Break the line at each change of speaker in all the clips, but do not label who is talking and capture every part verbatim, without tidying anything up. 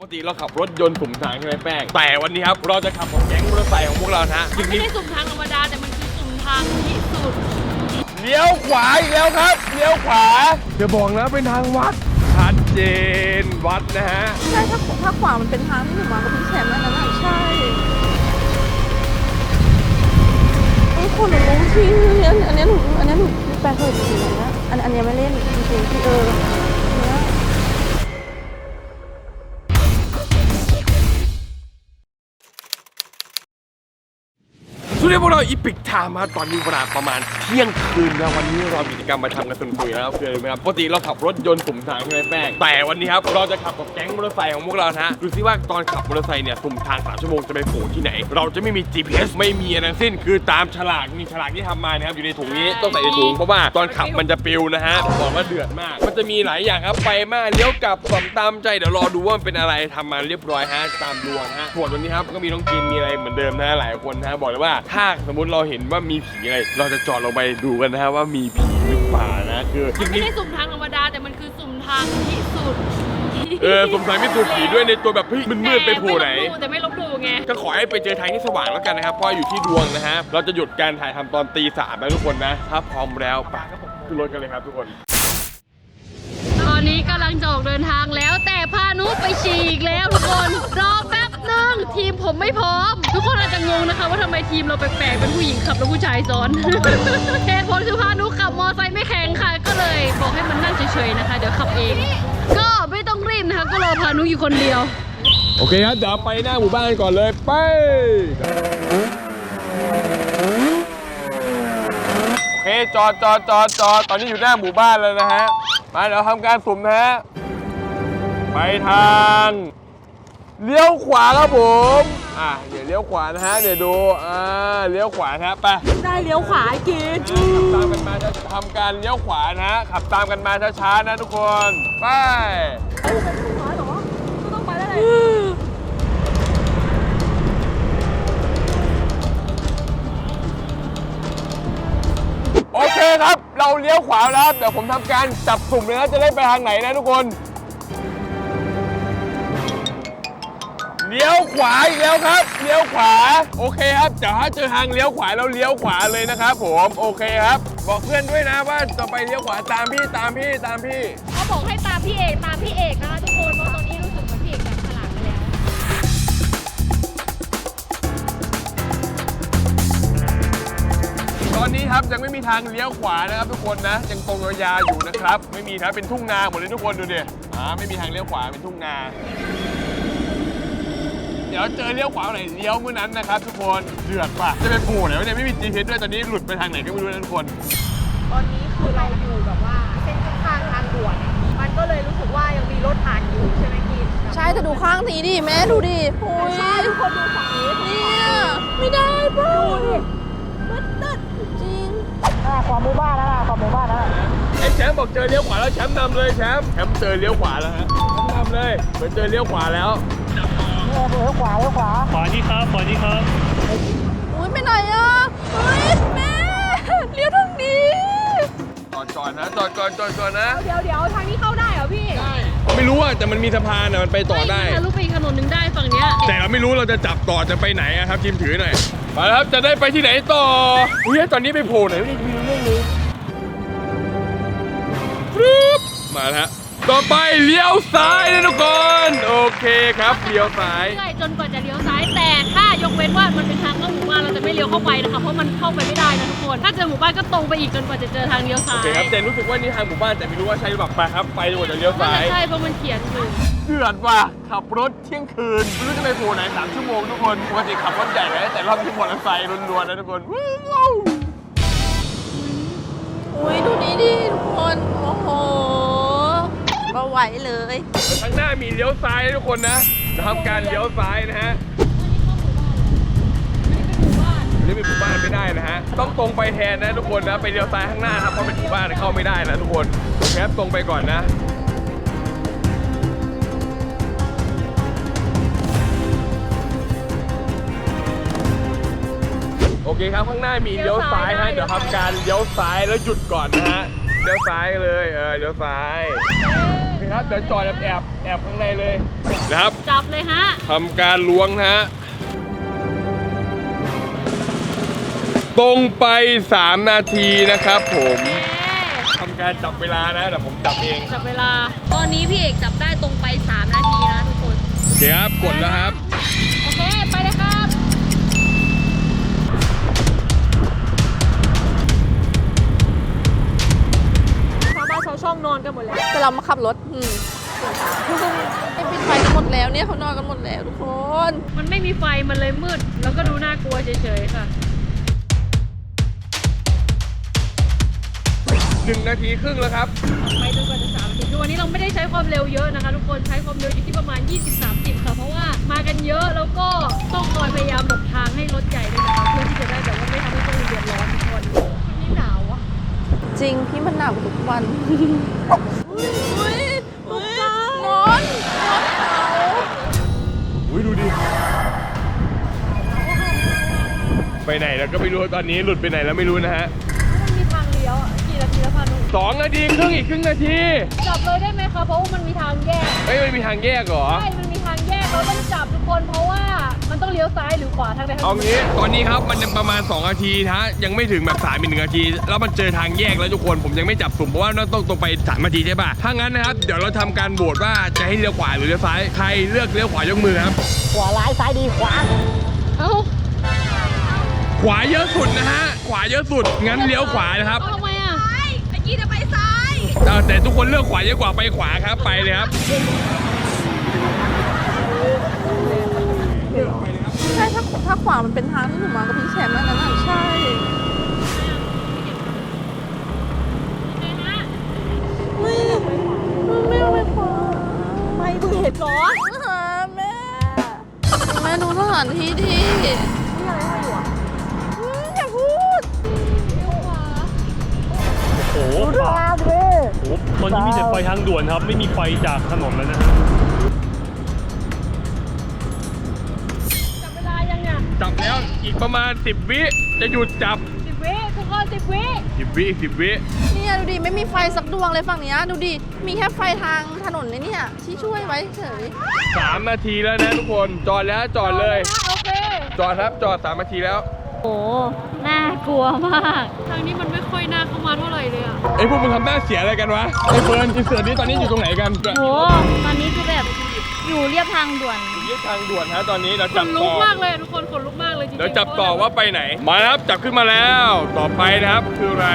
ปกติเราขับรถยนต์สุ่มทางใช่ไหมแป้งแต่วันนี้ครับเราจะขับของแก๊งมอเตอร์ไซค์ของพวกเรานะ
มันไม่ใช่สุ่มทางธรรมดาแต่มันคือสุ่มทางที่สุด
เลี้ยวขวาอีกแล้วครับเลี้ยวขวาจะบอกนะเป็นทางวัดชัดเจนวัดนะฮะ
ใช่ถ้าถ้าขวามันเป็นทางที่หนูมากับพี่แชมป์นั่นน่ะใช่ไอ้คนหนูรู้ที่อันนี้หนูอันนี้หนูแปลเคยจริงๆนะอันอันนี้ไม่เล่นจริงๆที่เออ
ทุกท่านพวกเราอีพิกไทม์มาตอนนี้เวลาประมาณเที่ยงคืนแล้ววันนี้เรามีกิจกรรมมาทำกันสนุกๆนะครับเพื่อนไหมครับปกติเราขับรถยนต์สุ่มทางใช่ไหมแป้งแต่วันนี้ครับเราจะขับกับแก๊งมอเตอร์ไซค์ของพวกเรานะดูซิว่าตอนขับมอเตอร์ไซค์เนี่ยสุ่มทางสามชั่วโมงจะไปโผล่ที่ไหนเราจะไม่มี จี พี เอส ไม่มีอะไรทั้งสิ้นคือตามฉลากมีฉลากที่ทำมานะครับอยู่ในถุงนี้ต้องใส่ในถุงเพราะว่าตอนขับมันจะปิวนะฮะบอกว่าเดือดมากมันจะมีหลายอย่างครับไปมาเลี้ยวกลับสองตามใจเดี๋ยวรอดูว่ามันเป็นอะไรทำมาเรียบร้อยฮะตามดวงฮะส่วนวันนี้ครับก็มีน้องกินมีอะไรเหมือนเดิมนะหลายคนนะบอกเลยว่าถ้าสมมติเราเห็นว่ามีผีอะไรเราจะจอดลงไปดูกันนะฮะว่ามีผีหรือเปล่านะคือ
มันไม่ใช่สุ่มทางธรรมดาแต่มันคือสุ่มทางที่สุด
เออสงสัยมีตัวผีด้วยในตัวแบบพี่มันมืดไปโผล่ไหน
แต่ไม่ลบหลู่ไง
ก็ขอให้ไปเจอทางที่สว่างแล้วกันนะครับเพราะอยู่ที่ดวงนะฮะเราจะหยุดการถ่ายทำตอนตีสามนะทุกคนนะถ้าพร้อมแล้วไปขึ้นรถกันเลยครับทุกคน
ตอนนี้กำลังจะออกเดินทางแล้วแต่พานุไปฉี่อีกแล้วทุกคนรอแป๊บนึงทีมผมไม่พร้อมทุกคนอาจจะงงนะคะว่าทำไมทีมเราแปลกๆเป็นผู้หญิงขับแล้วผู้ชายซ้อน เหตุผลคือพานุขับมอไซค์ไม่แข็งค่ะก็เลยบอกให้มันนั่งเฉยๆนะคะเดี๋ยวขับเองก็ไม่ต้องรีบนะคะก็รอพานุอยู่คนเดียว
โอเคครับเดี๋ยวไปหน้าหมู่บ้านก่อนเลยไปโอเคจอดจอดจอดจอดตอนนี้อยู่หน้าหมู่บ้านแล้วนะฮะมาเดี๋ยวทำการสุ่มนะฮะไปทางเลี้ยวขวาครับผมอ่ะเดี๋ยวเลี้ยวขวานะฮะเดี๋ยวดูอ่าเลี้ยวขวานะไป
ได้เลี้ยวขวากิน
ขับตามกันมาจะทำการเลี้ยวขวานะฮะขับตามกันมาช้าๆนะทุกคนไป
ต้องไปได้เลย
โอเคครับเราเลี้ยวขวาแล้วเดี๋ยวผมทำการจับสุ่มเลยนะจะได้ไปทางไหนนะทุกคนเลี้ยวขวาอีกแล้วครับเลี้ยวขวาโอเคครับเดี๋ยวถ้าเจอทางเลี้ยวขวาเราเลี้ยวขวาเลยนะครับผมโอเคครับบอกเพื่อนด้วยนะว่าจะไปเลี้ยวขวาตามพี่ตามพี่ตามพี่
เขาบอกให้ตามพี่เอกตามพี่เอกนะคะทุกคนเพราะตอนนี้รู้สึกเหมือนพี่เอกจับฉลากไปแล้ว
ตอนนี้ครับยังไม่มีทางเลี้ยวขวานะครับทุกคนนะยังตรงยาวๆอยู่นะครับไม่มีนะเป็นทุ่งนาหมดเลยทุกคนดูดิอ่าไม่มีทางเลี้ยวขวาเป็นทุ่งนาเดี๋ยวเจอเลี้ยวขวาไหนเลี้ยวเมื่อนั้นนะครับทุกคนเดือดป่ะจะไปโผล่ไหนวะเนี่ยไม่มี จี พี เอส ด้วยตอนนี้หลุดไปทางไหนก็ไม่รู้นะทุกคน
ตอนนี้คือเราอยู่แบบว่าเส้นข้างทางด่วนมันก็เลยรู้สึกว่ายังมีรถผ่านอยู่ใช่ไหมกิน
ใช่แต่ดูข้างนี้ดิแม่ดูดิโอ้ย
ใช่ทุกคนดูฝั่งนี้
เนี่ยไม่ได้ป่ะมืดตึ๊ดจริง
อ่าขวาหมู่บ้านแล้วล่ะขวาหมู่บ้านแล้ว
ไอ้แชมป์บอกเจอเลี้ยวขวาแล้วแชมป์นำเลยแชมป์แชมป์เจอเลี้ยวขวาแล้วฮะนำเลยเหมือนเจอเลี้ยวขวาแล้ว
เลี้ยวขวาเลี้ยวขวา
ขวานี่ครับขวานี่ครับ
อุ้ยไปไหนอ่ะเฮ้ยแม่เลี้ยวทางนี้
จอดก่อนนะจอดก่อนจอดก่อนนะ
เดี๋ยวเดี๋ยวทางนี้เข้าได้เหรอพี่
ได้ไม่รู้อ่ะแต่มันมีสะพานอ่ะมันไปต่อได้
ทะลุไปอีกถนนหนึ่งได้ฝั่งเนี้ย
แต่เราไม่รู้เราจะจับต่อจะไปไหนครับทีมถือหน่อยมาแล้วครับจะได้ไปที่ไหนต่ออุ้ยตอนนี้ไปโผล่ไหนไม่รู้เรื่องเลยปึ๊บมาแล้วต่อไปเลี้ยวซ้ายนะทุกคนโอเคครับเลี้ยวซ้าย
จนกว่าจะเลี้ยวซ้ายแต่ถ้ายกเว้นว่ามันเป็นทางเข้าหมู่บ้านเราจะไม่เลี้ยวเข้าไปนะคะเพราะมันเข้าไปไม่ได้นะทุกคนถ้าเจอหมู่บ้านก็ตรงไปอีกจนกว่าจะเจอทางเลี้ยวซ้าย
โอเคครับแต่รู้สึกว่านี่ทางหมู่บ้านแต่ไม่รู้ว่าใช่หรือเปล่าไปครับไปจนกว่าจะเลี้ยวซ้าย
ใช่เพราะมันเขียนอยู่
เดือดว่ะขับรถเที่ยงคืนไม่รู้จะไปโผล่ไหนสามชั่วโมงทุกคนปกติขับรถใหญ่เลยแต่รอบที่มอเตอร์ไซค์ล้วนๆนะทุกคน
อุ้ยดูนี้ดิทุกคนโอ้โหมาไหวเลย
ข้างหน้ามีเลี้ยวซ้ายทุกคนนะจะทำการเลี้ยวซ้ายนะฮะอันนี้เป็นหมู่บ้านไม่ได้นะฮะต้องตรงไปแทนนะทุกคนนะไปเลี้ยวซ้ายข้างหน้าครับเพราะเป็นหมู่บ้านเข้าไม่ได้นะทุกคนแคปตรงไปก่อนนะโอเคครับข้างหน้ามีเลี้ยวซ้ายฮะเดี๋ยวทำการเลี้ยวซ้ายแล้วหยุดก่อนนะฮะเลี้ยวซ้ายเลยเออเลี้ยวซ้ายโอเคเคครับเดี๋ยวจอดแอบแอบแอบข้างในเลยนะครับ
จับเลยฮะ
ทำการล้วงนะฮะตรงไปสามนาทีนะครับผมทำการจับเวลานะเดี๋ยวผมจับเอง
จับเวลา ตอนนี้พี่เอกจับได้ตรงไปสามนาทีนะทุกคน
โอเคครับกดแล้วครับ
โอเค ไปเลยครับ
ชาวบ้านชาวช่องนอนกันหมดแล้ว
แต่เรามาขับรถอืมไอ้ปิดไฟกันหมดแล้วเนี่ยเขานอนกันหมดแล้วทุกคน
มันไม่มีไฟมันเลยมืด แล้วก็ดูน่ากลัวเฉยๆค่ะ
หนึ่งนาทีครึ่งแล้วครับ
ไปจนกว่าจะสามนาทีคือวันนี้เราไม่ได้ใช้ความเร็วเยอะนะคะทุกคนใช้ความเร็วอยู่ที่ประมาณ ยี่สิบ สามสิบ ค่ะ เพราะว่ามากันเยอะแล้วก็ต้องคอยพยายามหลบทางให้รถใหญ่ด้วยนะคะเพื่อที่จะได้แบบว่าไม่ทำให้คนอื่นเดือดร้อนทุกคนวันนี้หนาวอะ
จริงพี่มันหนาวทุกวันอุ้ยอุ้ยนอนนอนเขา
อุ้ยดูดิ ไปไหนแล้วก็ไม่รู้ตอนนี้หลุดไปไหนแล้วไม่รู้นะฮะ
มันมีทางเลี้ยวอะกี่นาทีแล้วพานุ
สองนาทีครึ่งอีกครึ่งนาที
จับเลยได้ไหมคะเพราะว่ามันมีทางแยก
เฮ้ยมันมีทางแยกเหรอ
ใช่มันมีทางแยกเราต้องจับทุกคนเพราะว่ามันต้องเลี้ยวซ้ายหรือขวาทางใดทางห
เอา
นึ่ง
งี้ตอนนี้ครับมันยังประมาณสองนาทีนะฮะยังไม่ถึงแบบสามอีกหนึ่งนาทีแล้วมันเจอทางแยกแล้วทุกคนผมยังไม่จับสุ่มเพราะว่าต้องตรงไปสามนาทีใช่ป่ะถ้างั้นนะครับเดี๋ยวเราทำการโหวตว่าจะให้เลี้ยวขวาหรือเลี้ยวซ้ายใครเลือกเลี้ยวขวายกมือครับ
ขวาร้ายซ้ายดีขวา
เอ้า
ขวาเยอะสุดนะฮะขวาเยอะสุดงั้นเลี้ยวขวานะครับ
เอาทำไมอ่ะ
เมื่อกี้จะไปซ้าย
เออแต่ทุกคนเลือกขวาเยอะกว่าไปขวาครับไปเลยครับ
ใช่ถ้าถ้าขวามันเป็นทางที่หนูมากับพี่แชมป์นั่นน่ะใช่ไม่ไม่เอาไปขวา
ไม่เพิ่งเห็นเหรอ
หาแม่แม่ดูสถานที่ดิ
นี่อะไรให้อยู่อ่ะ
อืมอย่าพูด
โอ้โห
ดูทางดิ
โอ้โหตอนนี้มีแต่ไฟทางด่วนครับ ไม่มีไฟจากถนนแล้วนะฮะ
จับเวลายังเนี่ย
จับแล้วอีกประมาณสิบวิจะหยุดจับ
สิบวิทุกคนสิบวิ
สิบวิอีกสิบวิ
เนี่ยดูดิไม่มีไฟสักดวงเลยฝั่งเนี้ยดูดิมีแค่ไฟทางถนนเลยเนี่ยที่ช่วยไว้เฉย
สามนาทีแล้วนะทุกคนจอดแล้วจอดเลย
โอเค
จอดครับจอดสามนาทีแล้ว
โอ้น่ากลัวมากทางนี้มันไม่ค่อยน่าเข้ามาเท่าไหร่เลยอ่ะ
ไอ้พวกมึงทำหน้าเสียอะไรกันวะไอ้เฟิร์นอินเสิร์ตนี้ตอนนี้อยู่ตรงไหนกัน
โหตอนนี้คือแบบอยู่เรียบทางด่วน
อยู่ที่ทางด่วนฮะตอนนี้เรา
ข
จับ
นลุ
ต่
ก
อ
มากเลยทุกคนขนลุกมากเลยจริงๆ
เดี๋ยวจับต่อว่าไปไหน มาครับจับขึ้นมาแล้ว ต่อไปนะครับคืออะไร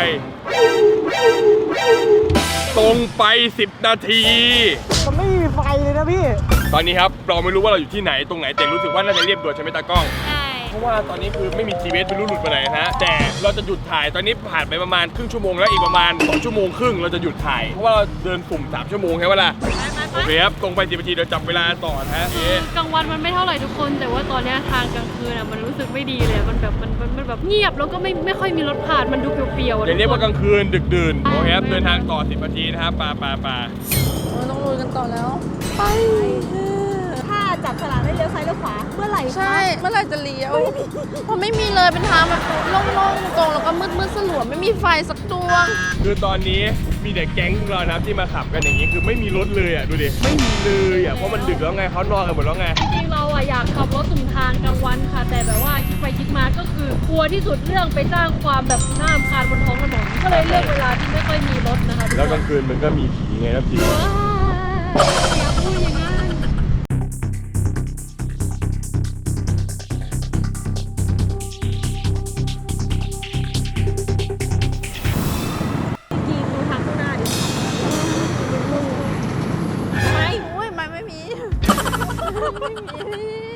ตรงไปสิบนาที
มันไม่มีไฟเลยนะพี่
ตอนนี้ครับเราไม่รู้ว่าเราอยู่ที่ไหนตรงไหนแต่รู้สึกว่าน่าจะเรียบด่วนใช่ไหมตากล้อง
ใช่
เพราะว่าตอนนี้คือไม่มี จี พี เอส ไม่รู้หลุดไปไหนนะฮะแต่เราจะหยุดถ่ายตอนนี้ผ่านไปประมาณครึ่งชั่วโมงแล้วอีกประมาณสองชั่วโมงครึ่งเราจะหยุดถ่ายเพราะว่าเราเดินสุ่มสามชั่วโมงใช่ไหมล่ะ
ไปไป
โอเคครับตรงไปสิบนาทีเดี๋ยวจับเวลาต่อนะฮะ
คือกลางวันมันไม่เท่าไหร่ทุกคน แต่ว่าตอนเนี้ยทางกลางคืนอ่ะมันรู้สึกไม่ดีเลยมันแบบมันมันมันแบบเงียบแล้วก็ไม่ไม่ค่อยมีรถผ่านมันดูเปรี่ยวๆอะ
อย่าเรียกว่ากลางคืนดึกดื่น
อ่า
โอเคครับเดินทางต่อสิบนาทีนะครับปาปาปา
ๆเราต้องลุยกันต่อแล้ว ไป
ถ้าจับฉลากได้เลี้ยวซ้ายเลี้ยวขวา เมื่อไหร่คะ
ใช่เมื่อไหร่จะเลี้ยวเพราะไม่มีเลยเป็นทางแบบโล่งๆตรงๆแล้วก็มืดๆสลัวไม่มีไฟสักดวง
คือตอนนี้มีแต่แก๊งพวกเรานะครับที่มาขับกันอย่างนี้คือไม่มีรถเลยอ่ะดูดิไม่มีเลยอ่ะเพราะมันดึกแล้วไงเขานอนกันหมดแล้วไง
จริงๆเราอะอยากขับรถสุ่มทางกลางวันค่ะ แต่แบบว่าคิดไปคิดมาก็คือกลัวที่สุดเรื่องไปสร้างความแบบน่ารำคาญบนท้องถนนก็เลยเลือกเวลาที่ไม่ค่อยมีรถนะคะทุก
แล้วก
ค
ลาน งคืนมันก็มีผีไงครับผี
ว้าวอย่าพูดอย่างนั้น
จริงดูทางข้างหน้าดิ
ไม่โอ้ยไม่ไม่มี ไม่มี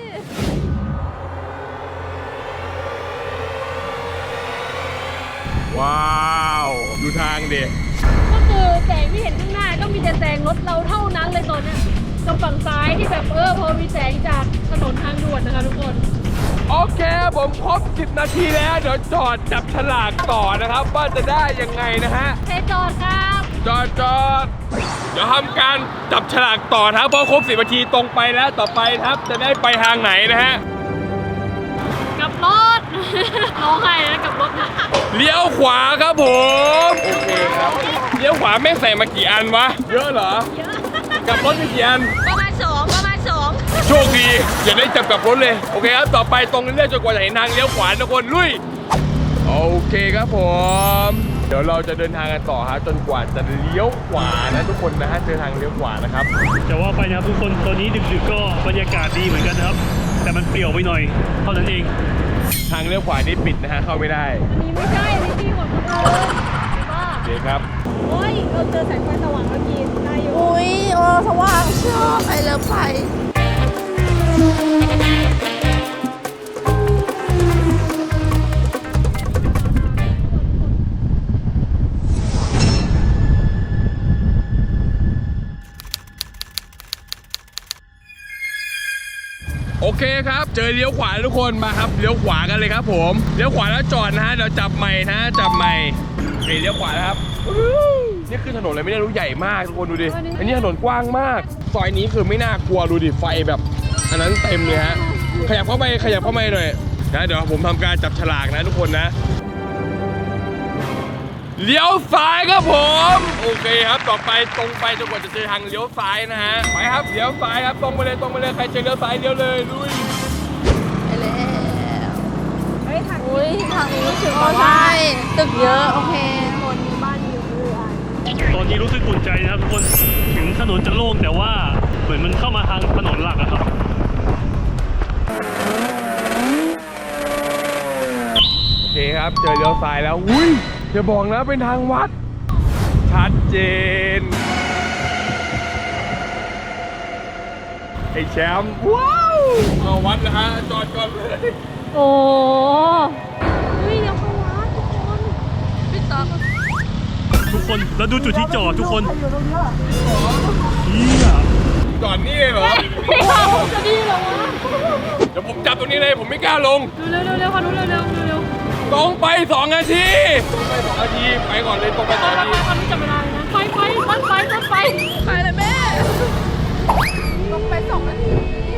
ว้าวดูทางดิ
ก็คือแสงที่เห็นข้างหน้าก็มีแต่แสงรถเราเท่านั้นเลยตอนเนี้ยกับฝั่งซ้ายที่แบบเออพอมีแสงจากถนนทางด่วนนะคะทุกคน
โอเคผมครบสิบนาทีแล้วเดี๋ยวจอดจับฉลากต่อนะครับว่าจะได้ยังไงนะฮะ
เทจอดครับ
จอดจอดเดี๋ยวทำการจับฉลากต่อนะครับเพราะครบสิบนาทีตรงไปแล้วต่อไปนะครับจะได้ไปทางไหนนะฮะ
กลับรถ น้องใครนะกลับรถนะ
เลี้ยวขวาครับผมโอเคครับเลี้ยวขวาแม่งใส่มากี่อันวะเยอะเหรอ
เยอะ
กลับรถไปกี่อัน
ประมาณสองประมาณสอง
โชคดีอย่าได้จับกลับรถเลยโอเคครับต่อไปตรงเรื่อยๆจนกว่าจะเห็นทางเลี้ยวขวาทุกคนลุยโอเคครับผมเดี๋ยวเราจะเดินทางกันต่อฮะจนกว่าจะเลี้ยวขวานะทุกคนนะฮะเจอทางเลี้ยวขวานะครับ
แต่ว่าไปนะครับทุกคนตอนนี้ดึกๆก็บรรยากาศดีเหมือนกันนะครับ แต่มันเปลี่ยวไปหน่อยเท่านั้นเอง
ทางเลี้ยวขวานี่ปิดนะฮะเข้าไม่ได้
อันนี้ไม่ใช่อันนี้ที่ของคนอื่นบ้า
โอเคครับ
โอ้ยเราเจอแสงไฟสว่างเมื่อกี้ได้อยู่
อุ้ยเออสว่างชอบไปเลิฟไฟ
โอเคครับเจอเลี้ยวขวาทุกคนมาครับเลี้ยวขวากันเลยครับผมเลี้ยวขวาแล้วจอดนะฮะเดี๋ยวจับใหม่นะจับใหม่โอเคเลี้ยวขวานะครับนี่คือถนนอะไรไม่ได้รู้ใหญ่มากทุกคนดูดิอันนี้ถนนกว้างมากซอยนี้คือไม่น่ากลัวดูดิไฟแบบอันนั้นเต็มเลยฮะขยับเข้าไปขยับเข้าไปหน่อยนะเดี๋ยวผมทำการจับฉลากนะทุกคนนะเลี้ยวซ้ายครับผมโอเคครับต่อไปตรงไปจนกว่าจะเจอทางเลี้ยวซ้ายนะฮะไปครับเลี้ยวซ้ายครับตรงไปเลยตรงไปเลยใครเจอเลี้ยวซ้ายเลี้ยวเลยลุย
ไปแล้ว
เฮ้ยทาง
อุ้ยทางนี้รู้สึกว่าใช่ตึกเยอะโอเค
คนมีบ้านอยู่เรื่อย
ตอนนี้รู้สึกอุ่นใจนะครับทุกคนถึงถนนจะโล่งแต่ว่าเหมือนมันเข้ามาทางถนนหลักอะครับ
โอเคครับเจอเลี้ยวซ้ายแล้วอุ้ยอย่าบอกนะเป็นทางวัดชัดเจนไอ้แชมป์ว้าวเอาวัดนะฮะจอดก่อนเลย
โอ้ยเดี๋ยวเข้าวัดทุกคนพี่ต๊อก
ทุกคนแล้วดูจุดที่จอดทุกคนเฮีย
จอดนี่เลยเหรอ
พี่ต๊อกจะดีเหรอวะ
เดี๋ยวผมจับตรงนี้เลยผมไม่กล้าลง
เร็วเร็วเร็วค่ะเร็วเร็วเร็วเร็ว
ตรงไปสองนาทีตรงไปสองนาทีไปก่อนเลยตรงไปสองนาที
ทำไม่จับเวลาเลยนะไปไปต้นไปต้นไป
ไปเลยแม่ลงไปสองนาที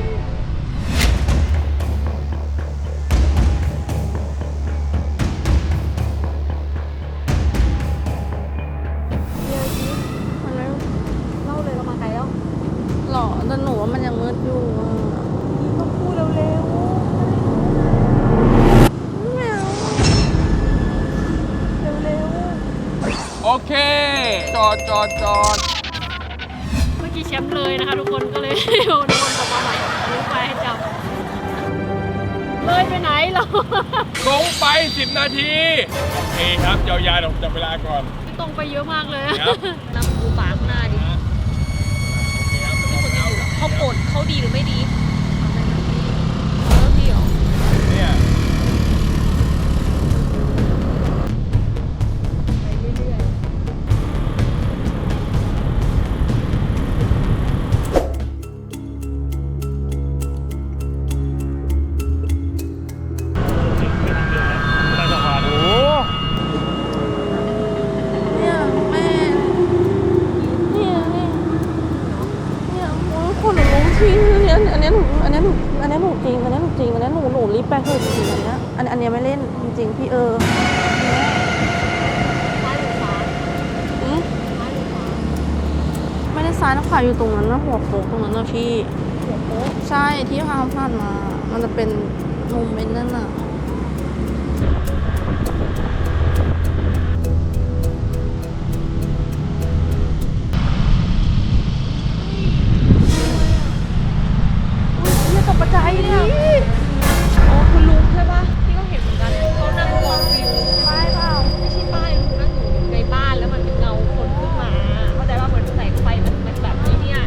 ๆเล่าเลยเรามาไกลแล้ว
หรอแต่หนูว่ามันยังมืดอยู่อะ
นี่ต้องพูดเร็ว
ไม่เอา
ๆเร็ว
โอเคจอดจอดจอด
เมื่อกี้แชมป์เลยนะคะทุกคนก็เลยโดนคนกลับมาใหม่รู้ไปให้จับเลยไปไหนเรา
ตรงไปสิบนาทีโอเคครับยาวๆเดี๋ยวผมจับเวลาก่อน
ตรงไปเยอะมากเลย
ครับ
นำดูปากหน้าดิ
เขาปดเขาดีหรือไม่ดี
แล้วพี่เหรอ
เนี่ย
ใต้สะพาน
โอ้
เนี่ยแม่เนี่ยเนี่ยเนี่ยโอ้ยคนหนูรู้ที่อันอันเนี้ยหนูอันเนี้ยหนูอันเนี้ยหนูจริงอันเนี้ยหนูจริงอันเนี้ยหนูหนูรีบไปเถอะจริงๆอันเนี้ยอันอันเนี้ยไม่เล่นจริงๆพี่เออ
ซ้ายหรือขวา
อืม
ซ้ายหรือขวา
ไม่ได้ซ้ายนะขวาอยู่ตรงนั้นนะหัวโค้งตรงนั้นนะพี่
หัวโป๊ะ
ใช่ที่พาผ่านมา มันจะเป็นมุมเป็นนั่นน่ะ เนี่ยตกใจเนี่ย
อ๋อคุณลุงใช่ปะที่ก็เห็นเหมือนกันเขานั่งมองวิวป้ายเปล่าไม่ใช่ป้ายลุงนั่งอยู่ในบ้านแล้วมันเงาคนขึ้นมาเข้าใจว่าเหมือนแสงไฟมันมันแบบนี้เนี่ย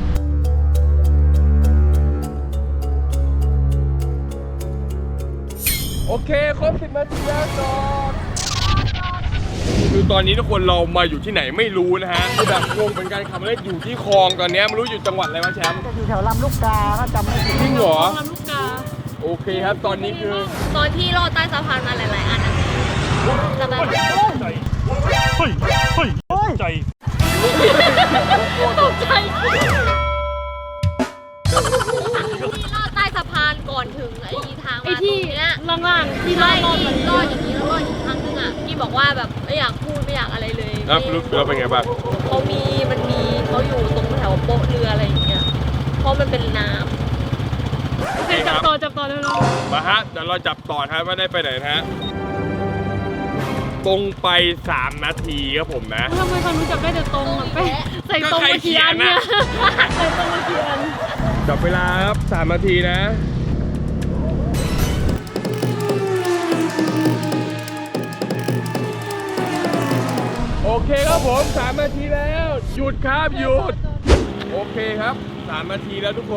โอเคครบสิบนาทีแล้วจอดคือตอนนี้ทุกคนเรามาอยู่ที่ไหนไม่รู้นะฮะคือแบบงงเป็นการขับรถอยู่ที่คลองตอนเนี้ยไม่รู้อยู่จังหวัดอะไรวะแชมป์
อยู่แถวลำลูกกาถ้าจำไม่ผิด
จริงเหรอ
ลำลูกกา
โอเคครับตอนนี้คือ
ตอนที่ลอดใต้สะพานมาหลายๆอันนะจำได้ไหม
ใจเฮ้ยเฮ้ยใจ
ตกใจ
ที่ลอดใต้สะพานก่อนถึงไอ้ทาง
ไอ้
มาตร
ที่
งเนี้ย
ล่างๆที่
ใช่
ลอด
ที่
ล
ล
อ
อ
ด
ดอย่างนี้แล้วลอดอีกครั้งนึงอ่ะที่บอกว่าแบบไม่อยากพูดไม่อยากอะไรเลย
แล้วรู้สึกว่าเป็นไงบ้าง
เขามีมันมีเขาอยู่ตรงแถวโป๊ะเรืออะไรอย่างเงี้ยเพราะมันเป็นน้ำ
โอเค
จั
ค
บ
รับ
ต่อจับต่อเร็ว
มาฮะเดี๋ยวเราจับต่อครับว่าได้ไปไหนนะฮะตรงไปสามนาทีครับผมนะ
ๆทำไมพานุจับได้แต่ตรงอ่ะแป้งใส่ตรงมากี่อันเนี่ยใส่ตรงมากี่อัน
จับเวลาครับสามนาทีนะโอเคครับผมสามนาทีแล้วหยุดครับหยุดโอเคครับสามนาทีแล้วทุกคน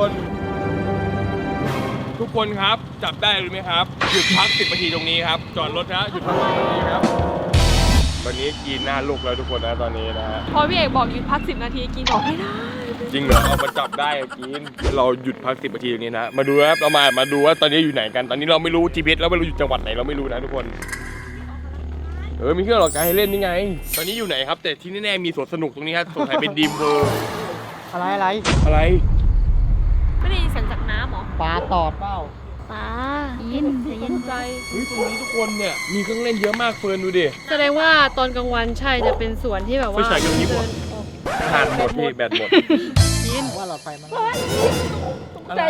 ทุกคนครับจับได้หรือไม่ครับหยุดพักสิบนาทีตรงนี้ครับจอดรถนะหยุดพักสิบนาทีครับตอนนี้กินหน้าลูกแล้วทุกคนนะตอนนี้นะฮะ
พอพี่เอกบอกหยุดพักสิบนาทีกินบอกไม่ได้
จริงเหรอเอามาจับได้อะกินเราหยุดพักสิบนาทีตรงนี้นะมาดูครับเรามามาดูว่าตอนนี้อยู่ไหนกันตอนนี้เราไม่รู้ จี พี เอส แล้วไม่รู้อยู่จังหวัดไหนเราไม่รู้นะทุกคนเออมีเครื่องหลอกการให้เล่นนี่ไง ตอนนี้อยู่ไหนครับแต่ที่แน่ๆมีสวนสนุกตรงนี้ครับสงสัยเป็นดีมเวิร์
อะไรอะไร
อะไร
ไม่ได้ยินเสียงจากน้ำหรอ
ปลาตอดเปล่า
ป้ายินจะยินใจ
เฮ้ยตรงนี้ทุกคนเนี่ยมีเครื่องเล่นเยอะมากเฟิร์นดูดิ
แสดงว่าตอนกลางวันใช่จะเป็นสวนที่แบบว่า
ไฟฉายกระพริบเหรอ
เดินออก
ทานหมดพี่แบตหมด
ยิน
ว่าเราไฟมัน
อะไร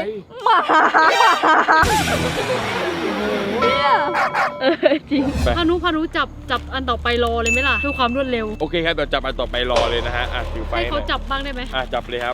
เออจริง
ไป
พานุพานุจับจับอันต่อไปรอเลยไหมล่ะเพื่อความรวดเร็ว
โอเคครับเดี๋ยวจับอันต่อไปรอเลยนะฮะ อ่ะถือไฟ
ให้เขา
หน่อย
จับบ้างได้ไหม
อ่ะจับเลยครับ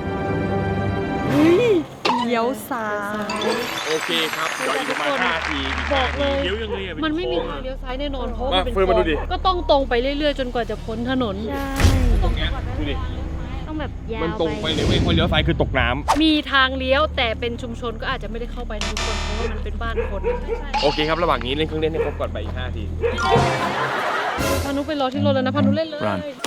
เลี้ยวซ้าย
โอเคครับเดี๋ยวอีกประมาณห้านาที
บอกเลย
เลี้ยวยังไงอะ
มันไม่มี
โค้
ทาง
อะ
เลี้ยวซ้ายแน่นอนเพราะว่า
มา
มันเป็น
เฟิร์นมาดูดิ
ก็ต้องตรงไปเรื่อยๆ จนกว่าจะพ้นถนน
ตรงเนี้ยดูดิ
ต้องแบบยาว
มันตรงไปเลยเว้ยพอเลี้ยวซ้ายคือตกน้ำ
มีทางเลี้ยวแต่เป็นชุมชนก็อาจจะไม่ได้เข้าไปทุกคนเพราะว่ามันเป็นบ้านคน
โอเคครับระหว่างนี้เล่นเครื่องเล่นให้ครบก่อนไปอีกห้านาที
พานุไปรอที่รถแล้วนะพานุเล่นเลย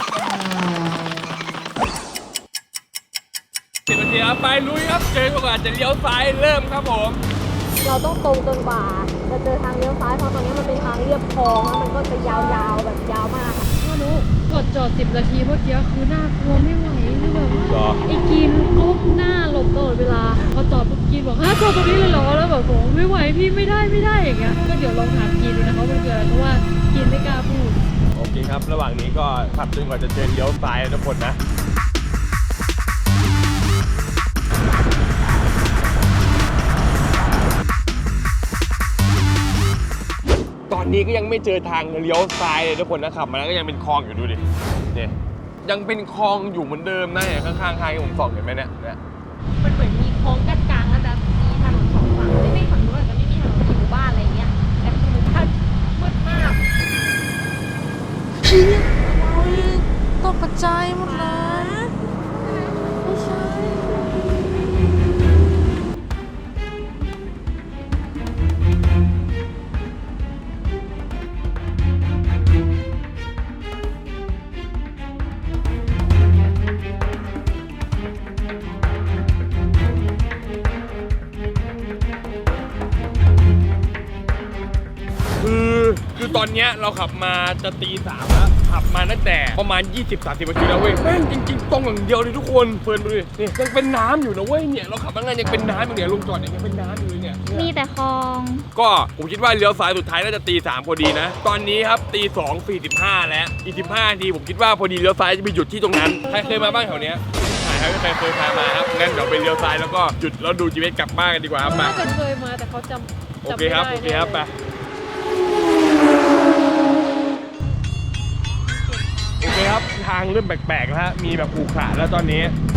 สิบนาทีครับไปลุยครับเจอก่อนจะเลี้ยวซ้ายเริ่มครับผม
เราต้องตรงจนกว่าจะเจอทางเลี้ยวซ้ายเพราะตอนนี้มันเป็นทางเรียบคลองแล้วมันก็จะยาวๆแบบยาวมากค่ะ
พานุกดจอดสิบนาทีเมื่อกี้คือน่ากลัวไม่ไหวคือแบบ
เหรอ
ว่าไอ้กินก้มหน้าหลบตลอดเวลาพอจอดปุ๊บกินบอกฮะจอดตรงนี้เลยเหรอแล้วแบบผมไม่ไหวพี่ไม่ได้ไม่ได้อย่างเงี้ยก็เดี๋ยวลองถามกินดูนะคะว่ามันเกิดอะไรเพราะว่ากินไม่กล้าพูด
โอเคครับระหว่างนี้ก็ขับจนกว่าจะเจอเลี้ยวซ้ายนะทุกคนนะตอนนี้ก็ยังไม่เจอทางเลี้ยวซ้ายเลยทุกคนนะขับมาแล้วก็ยังเป็นคลองอยู่ดูดิเนี่ยยังเป็นคลองอยู่เหมือนเดิมนะเนี่ยข้างๆใครผมส่องเห็นไหมเนี่ยเนี่ย
มันเหมือนมีโค้งกั้นกลางแล้วจะมีถนนสองฝั่งไม่ไม่ฝั่งนู้นอาจจะไม่มีถนนมีหมู่บ้านอะไรเงี้ยแต่คือหมู่บ้านมืดมาก
โอ้ยตกใจายหมดเลยไม่ใช่
คือคือตอนเนี้ยเราขับมาจะตีสามแล้วขับมาตั้งแต่ประมาณ ยี่สิบสามสิบ นาทีแล้วเว้ยแม่งจริงๆตรงอย่างเดียวเลยทุกคนเฟิร์นดูดิเนี่ยยังเป็นน้ำอยู่นะเว้ยเนี่ยเราขับมาไงยังเป็นน้ำอยู่เนี่ยลงจอดเนี่ยยังเป็นน้ำอยู่เลยเนี่ย
มีแต่คลอง
ก็ผมคิดว่าเลี้ยวซ้ายสุดท้ายน่าจะตีสามพอดีนะตอนนี้ครับตีสองสี่สิบห้าแล้วอีกสิบห้านาทีผมคิดว่าพอดีเลี้ยวซ้ายจะไปหยุดที่ตรงนั้นใครเคยมาบ้างแถวเนี้ยใช่ครับใครเคยพามาครับงั้นเดี๋ยวไปเลี้ยวซ้ายแล้วก็หยุดแล้วดูจีเวสกลับบ้านกันดีกว่าครับมา
น่าจะเคยมาแต่เขาจำ
โอ
จำ
เค
ไม่
ครับ
ได้
โอเคครับไปโอเคครับทางเริ่มแปลกๆแล้วฮะมีแบบขรุขระแล้วตอนนี้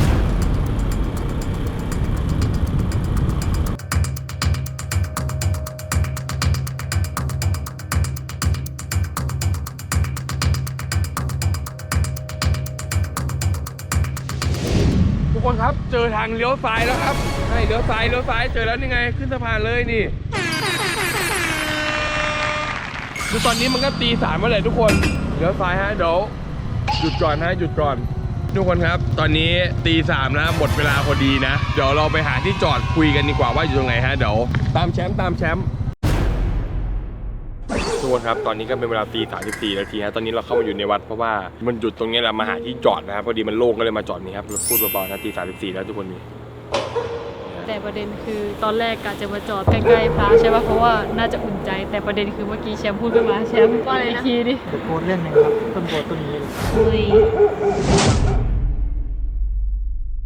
ทุกคนครับเจอทางเลี้ยวซ้ายแล้วครับใช่เลี้ยวซ้ายเลี้ยวซ้ายเจอแล้วนี่ไงขึ้นสะพานเลยนี่คือตอนนี้มันก็ตีสามแล้วแหละทุกคนเลี้ยวซ้ายฮะเดี๋ยวหยุดก่อนฮะหยุดก่อนทุกคนครับตอนนี้ตีสามแล้วหมดเวลาพอดีนะเดี๋ยวเราไปหาที่จอดคุยกันดีกว่าว่าอยู่ตรงไหนฮะเดี๋ยวตามแชมป์ตามแชมป์ทุกคนครับตอนนี้ก็เป็นเวลาตีสามสิบสี่นาทีฮะตอนนี้เราเข้ามาอยู่ในวัดเพราะว่ามันหยุดตรงนี้แหละมาหาที่จอดนะครับพอดีมันโล่งก็เลยมาจอดนี่ครับเราพูดเบาๆนะตีสามสิบสี่แล้วทุกคนนี่
แต่ประเด็นคือตอนแรกกะจะมาจอดใกล้ๆพระใช่ป่ะเพราะว่าน่าจะอุ่นใจแต่ประเด็นคือเมื่อกี้แชมป์พูดขึ้นมาแชมป์ว่าอะไรทีดิ
ตะโกนเล่นหนึ่งครับต้นโพต้นนี้
คุย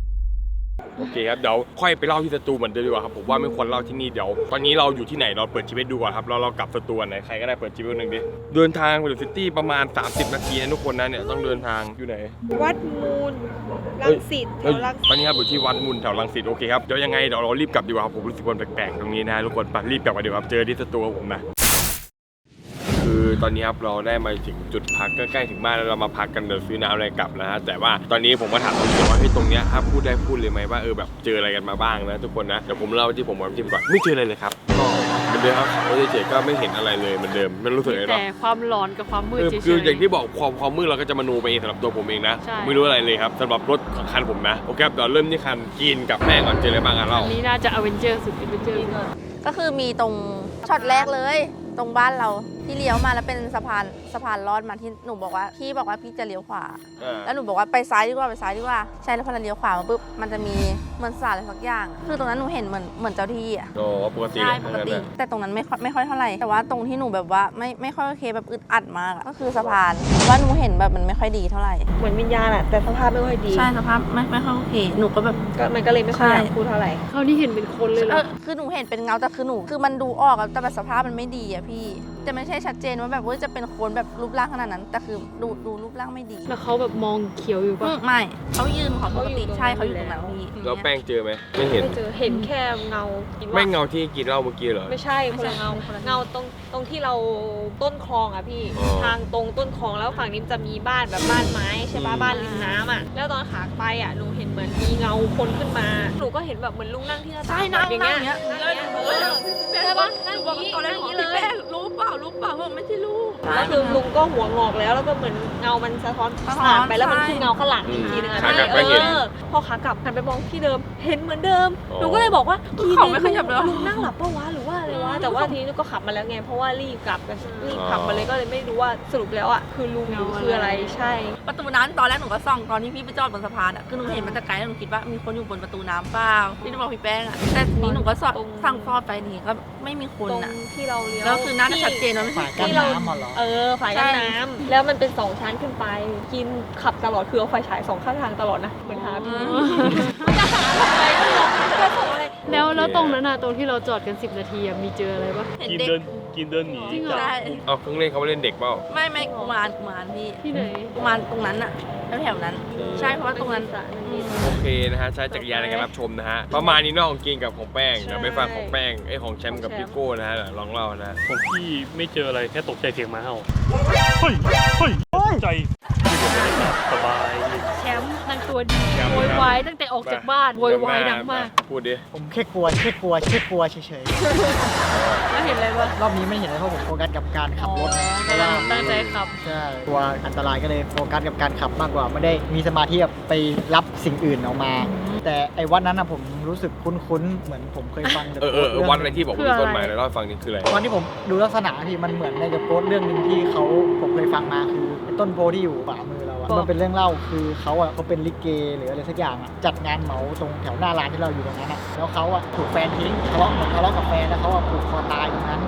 เคครับเดี๋ยวค่อยไปเล่าที่สตูเหมือนเดิมดีกว่าครับผมว่าไม่ควรเล่าที่นี่เดี๋ยวตอนนี้เราอยู่ที่ไหนเราเปิดชีวิตดูก่อนครับเราเรากลับสตูไหนใครก็ได้เปิดชีวิตหนึ่งดิเดินทางไปถึงซิตี้ประมาณสามสิบนาทีนะทุกคนนะเนี่ยต้องเดินทางอยู่ไหน
วัดมูลรังสิตแถวรังสิต
ตอนนี้ครับอยู่ที่วัดมูลแถวรังสิตโอเคครับเดี๋ยวยังไงเดี๋ยวเรารีบกลับดีกว่าครับผมรู้สึกวันแปลกๆตรงนี้นะทุกคนไปรีบกลับมาดีกว่าครับเจอที่สตูของผมนะคือตอนนี้ครับเราได้มาถึงจุดพักใกล้ๆถึงบ้านแล้วเรามาพักกันเดี๋ยวซื้อน้ำอะไรกลับนะฮะแต่ว่าตอนนี้ผมก็ถามคุณว่าเฮ้ยตรงเนี้ยถ้าพูดได้พูดเลยไหมว่าเออแบบเจออะไรกันมาบ้างนะทุกคนนะเดี๋ยวผมเล่าที่ผมกับทีมก่อนไม่เจออะไรเลยครับก็เหมือนเดิมครับเขาเฉยๆก็ไม่เห็นอะไรเลยเหมือนเดิมไม่รู้สึกอะไรหรอก
แต่ความร้อนกับความมืด
เออ
เฉยๆ
คืออย่างที่บอกความความมืดเราก็จะมโนไปเองสำหรับตัวผมเองนะ
ใช่
ผมไม่รู้อะไรเลยครับสำหรับรถของคันผมนะโอเคครับเดี๋ยวเริ่มที่คันกินกับแม่ก่อนเจออะไรบ้างอ่ะเรา
อันนี้น่าจะอเวนเจอร์สุดอเวนเจอร์
ก็คือมีตรงช็อตแรกเลย ตรงบ้านเราที่เลี้ยวมาแล้วเป็นสะพานสะพานลอดมาที่หนูบอกว่าพี่บอกว่าพี่จะเลี้ยวขวา แล้วหนูบอกว่าไปซ้ายดีกว่าไปซ้ายดีกว่าใช่แล้วพอเราเลี้ยวขวามาปุ๊บมันจะมีเหมือนสาอะไรสักอย่าง คือตรงนั้นหนูเห็นเหมือนเหมือนเจ้าที่อ่ะ
โอ้ปกติ
ใช่
เลย
ปกติ แต่ตรงนั้นไม่ค่อยไม่ค่อยเท่าไหร่แต่ว่าตรงที่หนูแบบว่าไม่ไม่ค่อยโอเคแบบอึดอัดมากอะก็คือสะพานว่าหนูเห็นแบบมันไม่ค่อยดีเท่าไหร่
เหมือนวิญญาณอะแต่สภาพไม่ค่อยดี
ใช่สภาพไม่ไม่ค่อยโอเคหนูก็แบบ
ก็มันก็เลยไม่ค่อยอยาก
ใช่
พูดเท่าไหร่
เขานี่เห็นเป็นคนเลยเหร
เอ
อ
อคือหนูเห็นเป็นเงาแต่คือหนูคือมันดูออกอะแต่แบบสภาพมันไม่ดีอะพี่แต่ไม่ใช่ชัดเจนว่าแบบว่าจะเป็นคนแบบรูปร่างขนาดนั้น แต่คือดูดูรูปร่างไม่ดี
แล้วเขาแบบมองเขียวอยู่
อื
ปะ
มไม่เขายืนของปกติ
เขาอยู่ตรงนั้น
ใช่เขาอยู่ตรงนั้นพี่
แล้วแป้งเจอไหมไม่เห็น
ไม่เจอเห็นแค่เงาคิดว่า
ไม่เงาที่กินเหล้าเมื่อกี้เหรอ
ไม่ใช่คนละเงาเงาตรงตรงที่เราต้นคลองอะพี่
อ๋อ
ทางตรงต้นคลองแล้วฝั่งนี้มันจะมีบ้านแบบบ้านไม้ใช่ปะ
อืม
บ้านริมน้ำอะแล้วตอนขาไปอะหนูเห็นเหมือนมีเงาคนขึ้นมาหนูก็เห็นแบบเหมือนลุงนั่งที่หน้าต่า
ใช่
ง
นั่ง
แบบ
นั่งอย่างเงี้ย
นั่งอย่างเงี้ยเออใช่ปะนั่งอย่างงี้
ตอนแรก
นั่ง
บ
อ
อย่าง ก
งี้
พี่
เล
แป้
ย
งรู้เปล่ารู้เปล่าบอกไม่ใช่ลูก
แล้วคือลุงก็หัวงอกแล้วแล้วก็เหมือนเงามันสะท้อน
สะท้อน
ผ่านไปแล้วมัน
ใช่
คือเงาข้างหลังอีกทีนึงอะ
ขากลับก็
เอ
เห็น
อพอขากลับหันไปมองที่เดิมเห็นเหมือนเดิม
อ๋อ
หนูก็เลยบอกว่า
เขาไม่ขยับเลย
ลุงนั่งหลับปะวะหรือว่าอะไรวะแต่ว่าทีนี้หนูก็ขับมาแล้วไงเพราะว่ารีบกลับกันรีบขับมาเลยก็เลยไม่รู้ว่าสรุปแล้วอะคือลุงหรือคืออะไรใช่
ประตูน้ำตอนแรกหนูก็ส่องตอนที่พี่ไปจอดบนสะพานอ่ะคือหนูเห็นมันแต่ไกลแล้วหนูคิดว่ามีคนอยู่บนประตูน้ำเปล่าที่หนูบอกพี่แป้งอ่ะแต่ทีนี้หนูก็ส่องสั่งฟอดไปนี่ก็ไม่มีคน
ตรง
อ่ะ
ที่เราเลี้ยว
แล้วคือน่าจะชัดเจนว่าไม่ใช่
ฝ่ายกั้น
ที่เรา
น้ำมาเหรอ
เออฝ่ายกั้นน้ำแล้วมันเป็นสองชั้นขึ้นไป กินขับตลอดคือเอาไฟฉายสองข้างทางตลอดนะเหมือนหาพี่จะหาอะไรก็ลองจะส่งอะไร
แล้วแล้วตรงนั้นอะตรงที่เราจอดกันสิบนาทีอะมีเจออะไรปะ
เห็น
กิน
เด็ก
เดินกินเดินหนี
จริงเหรอ
จาก
ใช่
เอาเครื่องเล่นเขาไปเล่นเด็กเปล่า
ไม่ไม่กุมารกุมารพี่
ที่ไหน
กุมารตรงนั้นอ่ะแถวๆนั้น ใช่เพราะว่าตรงนั้น
โอเคนะฮะใช้จักรยานในการรับชมนะฮะประมาณนี้เนอกของกินกับของแป้งเดี๋ยวไปฟังของแป้งไอ้ของแชมป์กับพี่โก้นะฮะเดี๋ยวลองเล่านะ
ของพี่ไม่เจออะไรแค่ตกใจเสียงหมาเห่าเฮ้ยเฮ้ยตกใจสบาย
แชมป์นางตัวดีโวยวายตั้งแต่ออกจากบ้านโวยวายดังมาก
พูดดิ
ผมแค่กลัวแค่กลัวแค่กลัวเฉย
แล้วเห็นอะไรปะ
ๆ รอบนี้ไม่เห็นเลยเพราะผมโฟกัสกับการขับรถนะเพราะว่า
ตั้งใจขับ
ใช่กลัวอันตรายก็เลยโฟกัสกับการขับมากกว่า ไม่ได้มีสมาธิแบบไปรับสิ่งอื่นออกมา แต่ไอ้วันนั้นนะผมรู้สึกคุ้นๆ เหมือนผมเคยฟัง
เออเออเออวันอะไรที่บอกว่ามีต้นไม้แล้วเล่าให้ฟังนี่คืออะไร
วันที่ผมดูลักษณะที่มันเหมือนในกับโพสต์เรื่องหนึ่งที่เขาผมเคยฟังมาคือไอ้ต้นโพที่อยู่ขวามือเราอะมันเป็นเรื่องเล่าคือเขาอะเขาเป็นลิเกหรืออะไรสักอย่างอะจัดงานเหมาตรงแถวหน้าร้านที่เราอยู่ตรงนั้นอะแล้วเขาอะถูกแฟนทิ้งทะเลาะเหมือนทะเลาะกับแฟนแล้วเขาอะผูกคอตายตรงนั้น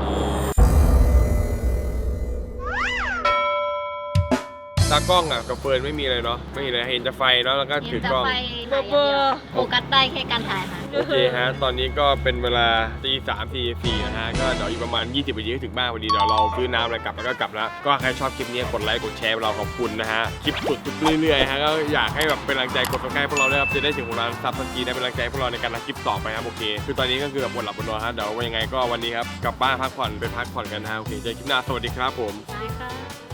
ตากล้องอ่ะกับเฟิร์นไม่มีอะไรเนาะไม่มีอะไรเห็นจะไฟเนาะแล้วก็ถือกล้อง
เบอร์เบอร์
โฟกัสได้แค่การถ่ายค่ะ
โอเคฮะตอนนี้ก็เป็นเวลาตีสามตีสี่นะฮะก็เดี๋ยวอีกประมาณยี่สิบนาทีก็ถึงบ้านพอดีเดี๋ยวเราซื้อน้ำอะไรกลับแล้วก็กลับแล้วก็ใครชอบคลิปนี้กดไลค์กดแชร์เราขอบคุณนะฮะคลิปสุดเรื่อยๆฮะก็อยากให้แบบเป็นกำลังใจกดซับสไครต์พวกเราด้วยครับจะได้ถึงของเราซับสกีได้เป็นกำลังใจพวกเราในการทำคลิปต่อไปครับโอเคคือตอนนี้ก็คือแบบบนหลับบนนอนฮะเดี๋ยวยังไงก็วันนี้ครับกลับบ้านพักผ่อนไปพักผ่อนกันนะฮะโอเคเจอคลิปหน้าสวัสดีครับผม
สวัสดีค่ะ